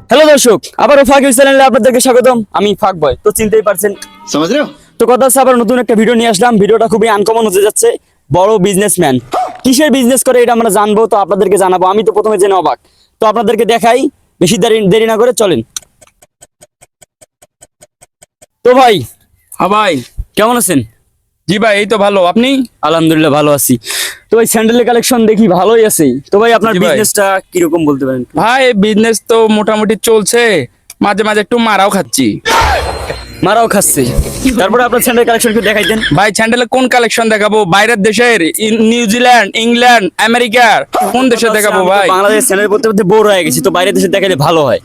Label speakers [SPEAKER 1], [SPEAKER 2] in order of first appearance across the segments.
[SPEAKER 1] Hello দর্শক, আবারও ফাঁক চ্যানেলে আপনাদেরকে স্বাগতম। আমি ফাঁক বয়, তো চিনতেই পারছেন।
[SPEAKER 2] समझ रहे हो।
[SPEAKER 1] তো কথা হচ্ছে আবার নতুন একটা ভিডিও নিয়ে আসলাম। ভিডিওটা খুবই আনকমন হতে যাচ্ছে। বড় বিজনেসম্যান কিসের বিজনেস করে এটা আমরা জানবো, তো আপনাদেরকে জানাবো। আমি তো প্রথমে জেনে অবাক, তো আপনাদেরকে দেখাই। বেশি দেরি না করে চলেন। তো ভাই,
[SPEAKER 3] হ্যাঁ ভাই।
[SPEAKER 1] কেমন আছেন?
[SPEAKER 3] জি ভাই, এই তো ভালো। আপনি?
[SPEAKER 1] আলহামদুলিল্লাহ ভালো আছি। তো ভাই, স্যান্ডেলের কালেকশন দেখি ভালোই আছে। তো ভাই, আপনার
[SPEAKER 3] জি ভাই।
[SPEAKER 1] বিজনেসটা কিরকম বলতে পারেন?
[SPEAKER 3] ভাই বিজনেস তো মোটামুটি চলছে, মাঝে মাঝে একটু মারাও খাচ্ছি।
[SPEAKER 1] মারাও খাচ্ছে। তারপরে আপনার স্যান্ডেল কালেকশন একটু দেখাই দেন।
[SPEAKER 3] ভাই স্যান্ডেলের কোন কালেকশন দেখাবো? বাইরের দেশের, নিউজিল্যান্ড, ইংল্যান্ড, আমেরিকার কোন দেশে দেখাবো ভাই?
[SPEAKER 1] বাংলাদেশ স্যান্ডেল পড়তে পড়তে বোর হয়ে গেছি, তো বাইরের দেশে দেখালে ভালো হয়।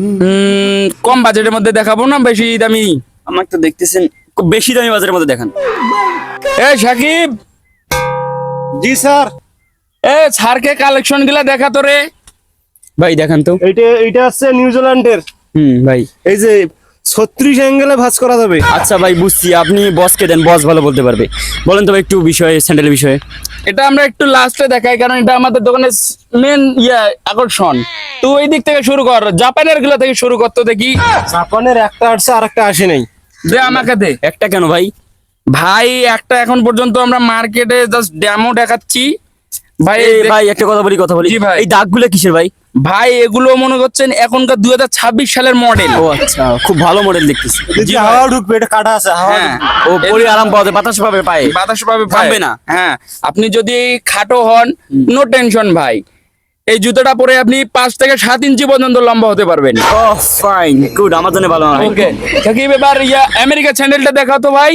[SPEAKER 3] কম বাজেটের মধ্যে দেখাবো না বেশি দামি?
[SPEAKER 1] আমাকে তো দেখতেছেন খুব বেশি দামি বাজারের মধ্যে দেখান।
[SPEAKER 3] এ সাকিব,
[SPEAKER 2] जी सर।
[SPEAKER 3] এ স্যারকে কালেকশন গুলা দেখা তো রে।
[SPEAKER 1] ভাই দেখান তো।
[SPEAKER 2] এইটা আছে নিউজিল্যান্ডের।
[SPEAKER 1] ভাই
[SPEAKER 2] এই যে 36 অ্যাঙ্গেলে ভাঁজ করা যাবে।
[SPEAKER 1] আচ্ছা ভাই, বুঝছি। আপনি বসকে দেন, বস ভালো বলতে পারবে। বলেন তো ভাই একটু বিষয়ে, স্যান্ডেলের বিষয়ে।
[SPEAKER 3] এটা আমরা একটু লাস্টে দেখাই, কারণ এটা আমাদের দোকানের মেন আকর্ষণ। তো ওই দিক থেকে শুরু কর, জাপানের গুলা থেকে শুরু করতে দেখি।
[SPEAKER 2] জাপানের একটা আসছে আর একটা আসে নাই।
[SPEAKER 3] দে আমাকে দে।
[SPEAKER 1] একটা কেন ভাই?
[SPEAKER 3] ভাই একটা এখন পর্যন্ত আমরা মার্কেটে জাস্ট ডেমো দেখাচ্ছি ভাই।
[SPEAKER 1] এই ভাই একটা কথা বলি।
[SPEAKER 3] জি ভাই।
[SPEAKER 1] এই দাগগুলো কিসের ভাই?
[SPEAKER 3] ভাই এগুলো মনে করছেন এখনকার 2026 সালের মডেল।
[SPEAKER 1] ও আচ্ছা, খুব ভালো মডেল দেখতেছি।
[SPEAKER 2] যদি হাওয়া ঢুকবে, এটা কাটা আছে, হাওয়া
[SPEAKER 3] হ্যাঁ,
[SPEAKER 1] ও পরে আরাম পাওয়া যায়, বাতাস পাবে পায়ে।
[SPEAKER 3] বাতাস পাবে
[SPEAKER 1] থামবে না।
[SPEAKER 3] হ্যাঁ, আপনি যদি খাটো হন, নো টেনশন ভাই, এই জুতোটা পরে আপনি 5 থেকে 7 ইঞ্চি পর্যন্ত লম্বা হতে পারবেন।
[SPEAKER 1] ও ফাইন, গুড, আমার জন্য ভালো হয়।
[SPEAKER 3] ওকে, সাকিব এবার আমেরিকা স্যান্ডেলটা দেখাও তো ভাই।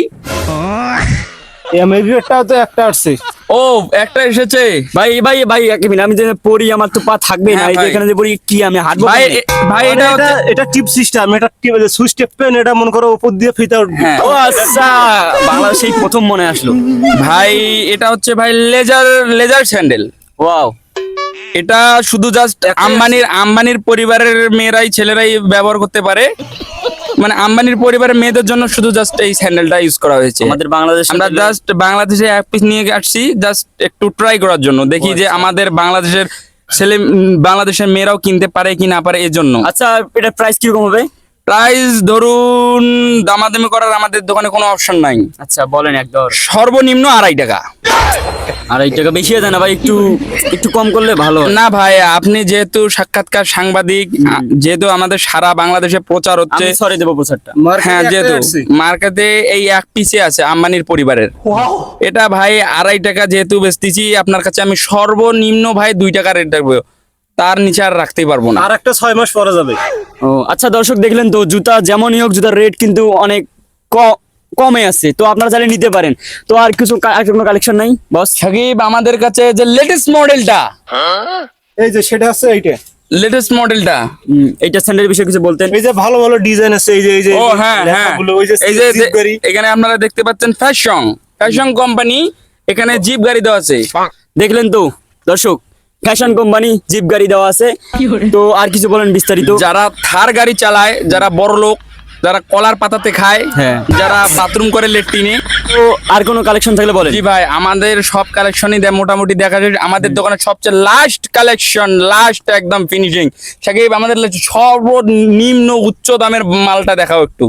[SPEAKER 2] এই আমেরিকাটাও তো একটা আসছে।
[SPEAKER 3] ও একটা এসেছে
[SPEAKER 1] ভাই এক মিনিট, আমি যে পড়ি আমার তো পা থাকবে না।
[SPEAKER 3] হ্যাঁ
[SPEAKER 1] এই যে
[SPEAKER 3] ভাই।
[SPEAKER 1] এখানে যে পড়ি, কি আমি হাঁটবো
[SPEAKER 3] ভাই
[SPEAKER 1] কেমনে?
[SPEAKER 3] ভাই এটা
[SPEAKER 2] এটা এটা টিপ সিস্টেম, এটা টিপ সুইচ টেপ পেন, এটা মনে করো উপর দিয়ে ফিতা উঠবে।
[SPEAKER 3] হ্যাঁ
[SPEAKER 1] ও আচ্ছা, বাংলাদেশেই প্রথম মনে আসলো।
[SPEAKER 3] ভাই, এটা হচ্ছে ভাই লেজার স্যান্ডেল।
[SPEAKER 1] ওয়াও,
[SPEAKER 3] এটা শুধু জাস্ট আম্বানির পরিবারের মেয়েরাই, ছেলেরাই ব্যবহার করতে পারে। মানে আম্বানির পরিবারের মেয়েদের জন্য শুধু জাস্ট এই স্যান্ডেলটা ইউজ করা হয়েছে।
[SPEAKER 1] আমাদের বাংলাদেশ
[SPEAKER 3] আমরা জাস্ট বাংলাদেশে এক পিস নিয়ে আসছি, জাস্ট একটু ট্রাই করার জন্য, দেখি যে আমাদের বাংলাদেশের বাংলাদেশের মেয়েরাও কিনতে পারে কি না পারে, এর জন্য।
[SPEAKER 1] আচ্ছা, এটা প্রাইস কিরকম হবে?
[SPEAKER 3] প্রাইস ধরুন, দামাদামি করার আমাদের দোকানে কোনো অপশন নাই।
[SPEAKER 1] আচ্ছা বলেন, একদম
[SPEAKER 3] সর্বনিম্ন 2.5 টাকা।
[SPEAKER 1] 2.5 টাকা বেশি হয়ে যায় না ভাই? একটু কম করলে ভালো হয়।
[SPEAKER 3] না ভাই, আপনি যেহেতু সাক্ষাৎকার সাংবাদিক, যেহেতু আমাদের সারা বাংলাদেশে প্রচার হচ্ছে,
[SPEAKER 1] আমি সরে দেবো প্রচারটা।
[SPEAKER 3] হ্যাঁ, যেহেতু মার্কেটে এই এক পিসে আছে আম্বানির পরিবারের, এটা ভাই 2.5 টাকা যেহেতু বেচতেছি আপনার কাছে, আমি সর্বনিম্ন ভাই 2 টাকা রেট রাখবো, তার নিচে আর রাখতেই পারবো না।
[SPEAKER 2] আর একটা 6 মাস পরে যাবে।
[SPEAKER 1] ও আচ্ছা, দর্শক দেখলেন তো, জুতা যেমনই হোক, জুতার রেট কিন্তু অনেক কমে আছে, তো আপনারা চাইলে নিতে পারেন। তো আর কোনো কালেকশন নাই বস?
[SPEAKER 3] সাকিব, আমাদের কাছে যে লেটেস্ট মডেলটা,
[SPEAKER 2] এই যে সেটা আছে,
[SPEAKER 3] লেটেস্ট মডেলটা,
[SPEAKER 1] এইটা স্যান্ডেলের বিষয়ে কিছু বলতেন।
[SPEAKER 2] এই যে ভালো ভালো ডিজাইন আছে, এই যে
[SPEAKER 3] ও হ্যাঁ হ্যাঁ,
[SPEAKER 2] লেখাগুলো, ওই যে
[SPEAKER 3] এই যে
[SPEAKER 2] জিপ গাড়ি।
[SPEAKER 3] এখানে আপনারা দেখতে পাচ্ছেন ফ্যাশন কোম্পানি, এখানে জিপ গাড়ি দেওয়া আছে।
[SPEAKER 1] দেখলেন তো দর্শক, ফ্যাশন কোম্পানি, জিপ গাড়ি দেওয়া আছে। তো আর কিছু বলেন বিস্তারিত।
[SPEAKER 3] যারা থার গাড়ি চালায়, যারা বড় লোক, যারা কলার পাতাতে খায়,
[SPEAKER 1] হ্যাঁ।
[SPEAKER 3] যারা বাথরুম করে লেট্রিনে।
[SPEAKER 1] তো আর কোনো কালেকশন থাকলে বলেন।
[SPEAKER 3] জি ভাই, আমাদের সব কালেকশনই মোটামুটি দেখা যায়। আমাদের দোকানে সবচেয়ে লাস্ট কালেকশন, লাস্ট একদম ফিনিশিং। সাকিব, আমাদের সর্বনিম্ন উচ্চ দামের মালটা দেখাও একটু।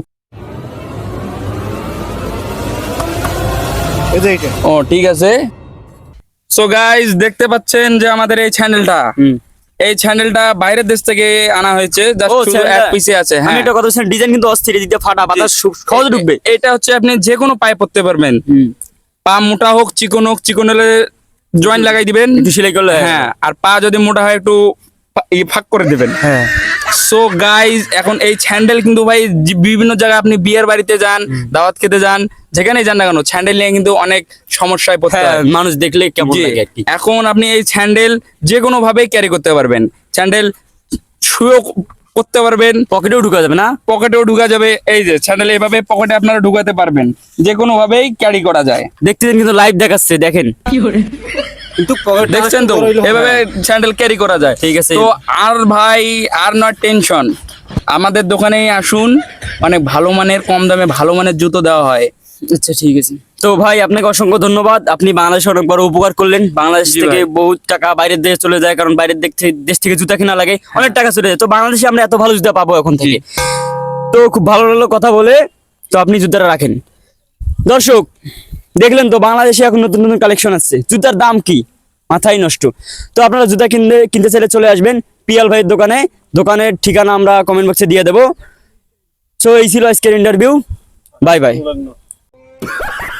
[SPEAKER 2] এই যে এইটা।
[SPEAKER 3] ও ঠিক আছে। সো গাইস, দেখতে পাচ্ছেন যে আমাদের এই চ্যানেলটা বাইরের দেশ থেকে আনা হয়েছে, জাস্ট
[SPEAKER 1] ও,
[SPEAKER 3] শুধু
[SPEAKER 1] চ্যানেলটা-
[SPEAKER 3] এক পিসে আছে।
[SPEAKER 1] আমি
[SPEAKER 3] হ্যাঁ,
[SPEAKER 1] একটা কথা বলছিলাম, ডিজাইন কিন্তু অস্থির, দিতে ফাটা বাতাস সহজে ঢুকবে।
[SPEAKER 3] এটা হচ্ছে আপনি যে কোনো পায়ে পরতে পারবেন। পা মোটা হোক, চিকন হোক, চিকন হলে জয়েন্ট লাগাই দিবেন,
[SPEAKER 1] একটু সেলাই করলে।
[SPEAKER 3] হ্যাঁ, আর পা যদি মোটা হয় একটু ফাঁক করে দিবেন।
[SPEAKER 1] হ্যাঁ।
[SPEAKER 3] সো গাইজ, এখন এই স্যান্ডেল কিন্তু ভাই বিভিন্ন জায়গায়, আপনি বিয়ের বাড়িতে যান, দাওয়াত খেতে যান, যেখানেই যান না কেন, স্যান্ডেল নিয়ে কিন্তু অনেক সমস্যায় পড়তে
[SPEAKER 1] হ্যাঁ,
[SPEAKER 3] হয়।
[SPEAKER 1] মানুষ দেখলে কেমন
[SPEAKER 3] জি,
[SPEAKER 1] লাগে আর কি।
[SPEAKER 3] এখন আপনি এই স্যান্ডেল যে কোনো ভাবে ক্যারি করতে পারবেন। স্যান্ডেল শুয়েও করতে পারবেন,
[SPEAKER 1] পকেটেও ঢুকা যাবে না?
[SPEAKER 3] পকেটেও ঢুকা যাবে। এই যে স্যান্ডেল এইভাবে পকেটে আপনারা ঢুকাতে পারবেন, যে কোনো ভাবেই ক্যারি করা যায়।
[SPEAKER 1] দেখতেছেন কিন্তু লাইভ দেখাচ্ছে, দেখেন।
[SPEAKER 2] কিন্তু পকেট
[SPEAKER 3] দেখছেন তো, এভাবে স্যান্ডেল ক্যারি করা যায়।
[SPEAKER 1] ঠিক আছে।
[SPEAKER 3] তো আর ভাই, আর নট টেনশন, আমাদের দোকানেই আসুন, অনেক ভালো মানের, কম দামে ভালো মানের জুতো দেওয়া হয়।
[SPEAKER 1] আচ্ছা ঠিক আছে। তো ভাই আপনাকে অসংখ্য ধন্যবাদ, আপনি বাংলাদেশে অনেক বড় উপকার করলেন। বাংলাদেশ
[SPEAKER 3] জি
[SPEAKER 1] থেকে
[SPEAKER 3] ভাই।
[SPEAKER 1] বহুত টাকা বাইরের দেশে চলে যায়, কারণ বাইরের দেশ থেকে জুতা কেনা লাগে, অনেক টাকা চলে যায়। তো বাংলাদেশে আমরা এত ভালো জুতা পাবো এখন থেকে। তো খুব ভালো লাগলো কথা বলে। তো আপনি জুতাটা রাখেন। দর্শক দেখলেন তো, বাংলাদেশে এখন নতুন নতুন কালেকশন আসছে। জুতার দাম কি মাথায় নষ্ট। তো আপনারা জুতা কিনতে চাইলে চলে আসবেন পিয়াল ভাইয়ের দোকানে। দোকানের ঠিকানা আমরা কমেন্ট বক্সে দিয়ে দেবো। সো এই ছিল আজকের ইন্টারভিউ। Bye bye.